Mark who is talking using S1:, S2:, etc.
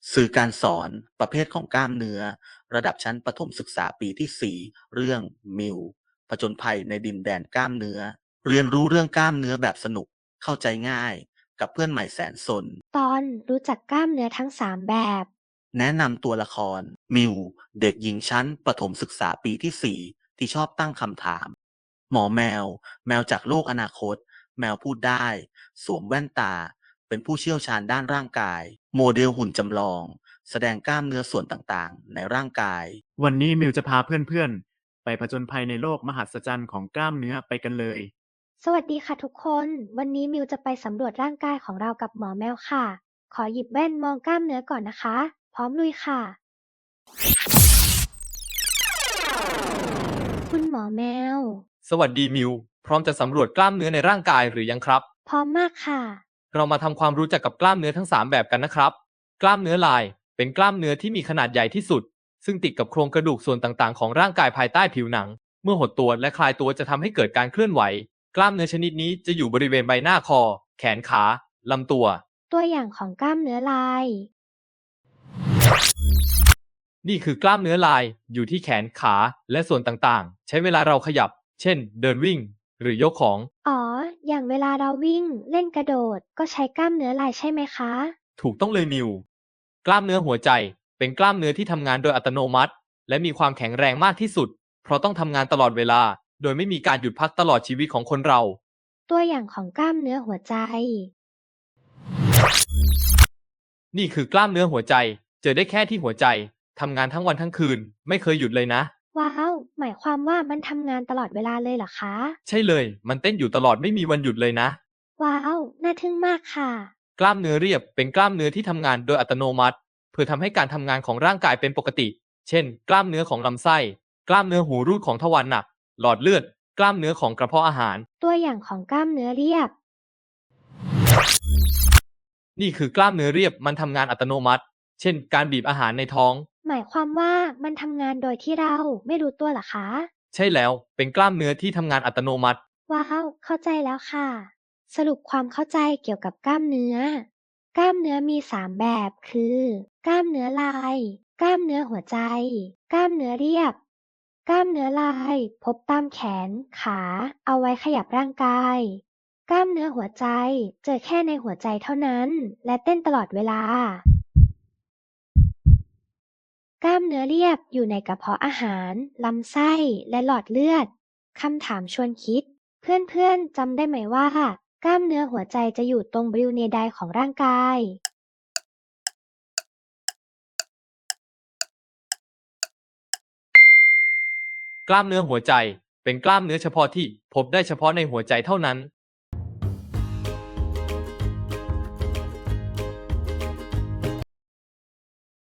S1: สื่อการสอนประเภทของกล้ามเนื้อระดับชั้นประถมศึกษาปีที่ 4เรื่องมิวผจญภัยในดินแดนกล้ามเนื้อเรียนรู้เรื่องกล้ามเนื้อแบบสนุกเข้าใจง่ายกับเพื่อนใหม่แสนสน
S2: ตอนรู้จักกล้ามเนื้อทั้ง3แบบ
S1: แนะนำตัวละครมิวเด็กหญิงชั้นประถมศึกษาปีที่ 4ที่ชอบตั้งคำถามหมอแมวแมวจากโลกอนาคตแมวพูดได้สวมแว่นตาเป็นผู้เชี่ยวชาญด้านร่างกายโมเดลหุ่นจำลองแสดงกล้ามเนื้อส่วนต่างๆในร่างกาย
S3: วันนี้มิวจะพาเพื่อนๆไปผจญภัยในโลกมหัศจรรย์ของกล้ามเนื้อไปกันเลย
S2: สวัสดีค่ะทุกคน วันนี้มิวจะไปสำรวจร่างกายของเรากับหมอแมวค่ะ ขอหยิบแว่นมองกล้ามเนื้อก่อนนะคะ พร้อมลุยค่ะ คุณหมอแมว
S4: สวัสดีมิว พร้อมจะสำรวจกล้ามเนื้อในร่างกายหรือยังครับ
S2: พร้อมมากค่ะ
S4: เรามาทำความรู้จักกับกล้ามเนื้อทั้ง3แบบกันนะครับ กล้ามเนื้อลายเป็นกล้ามเนื้อที่มีขนาดใหญ่ที่สุด ซึ่งติดกับโครงกระดูกส่วนต่างๆของร่างกายภายใต้ผิวหนัง เมื่อหดตัวและคลายตัวจะทำให้เกิดการเคลื่อนไหว กล้ามเนื้อชนิดนี้จะอยู่บริเวณใบหน้าคอ แขนขาลำตัว
S2: ตัวอย่างของกล้ามเนื้อลาย
S4: นี่คือกล้ามเนื้อลายอยู่ที่แขนขาและส่วนต่างๆ ใช้เวลาเราขยับ เช่น เดินวิ่ง หรือยกของ
S2: อ๋อ อย่างเวลาเราวิ่งเล่นกระโดดก็ใช้กล้ามเนื้อลายใช่ไหมคะ
S4: ถูกต้องเลยมิว กล้ามเนื้อหัวใจเป็นกล้ามเนื้อที่ทำงานโดยอัตโนมัติ และมีความแข็งแรงมากที่สุด เพราะต้องทำงานตลอดเวลา โดยไม่มีการหยุดพักตลอดชีวิตของคนเรา
S2: ตัวอย่างของกล้ามเนื้อหัวใจ
S4: นี่คือกล้ามเนื้อหัวใจ เจอได้แค่ที่หัวใจทำงานทั้งวันทั้งคืน ไม่เคยหยุดเลยนะ
S2: ว้าว หมายความว่ามันทำงานตลอดเวลาเลยเหรอคะ
S4: ใช่เลย มันเต้นอยู่ตลอดไม่มีวันหยุดเลยนะ
S2: ว้าว น่าทึ่งมากค่ะ
S4: กล้ามเนื้อเรียบเป็นกล้ามเนื้อที่ทำงานโดยอัตโนมัติ เพื่อทำให้การทำงานของร่างกายเป็นปกติ เช่น กล้ามเนื้อของลำไส้ กล้ามเนื้อหูรูดของทวารหนัก หลอดเลือด กล้ามเนื้อของกระเพาะอาหาร
S2: ตัวอย่างของกล้ามเนื้อเรียบ
S4: นี่คือกล้ามเนื้อเรียบมันทำงานอัตโนมัติ เช่น การบีบอาหารในท้อง
S2: หมายความว่ามันทำงานโดยที่เราไม่รู้ตัวเหรอคะ
S4: ใช่แล้ว เป็นกล้ามเนื้อที่ทำงานอัตโนมัติ
S2: ว้าว เข้าใจแล้วค่ะ สรุปความเข้าใจเกี่ยวกับกล้ามเนื้อ กล้ามเนื้อมี3แบบคือ กล้ามเนื้อลาย กล้ามเนื้อหัวใจ กล้ามเนื้อเรียบ กล้ามเนื้อลายพบตามแขน ขา เอาไว้ขยับร่างกาย กล้ามเนื้อหัวใจเจอแค่ในหัวใจเท่านั้น และเต้นตลอดเวลา กล้ามเนื้อเรียบอยู่ในกระเพาะอาหาร ลำไส้ และหลอดเลือด คำถามชวนคิด เพื่อนๆจำได้ไหมว่ากล้ามเนื้อหัวใจจะอยู่ตรงบริเวณใดของร่างกาย
S4: กล้ามเนื้อหัวใจเป็นกล้ามเนื้อเฉพาะที่พบได้เฉพาะในหัวใจเท่านั้น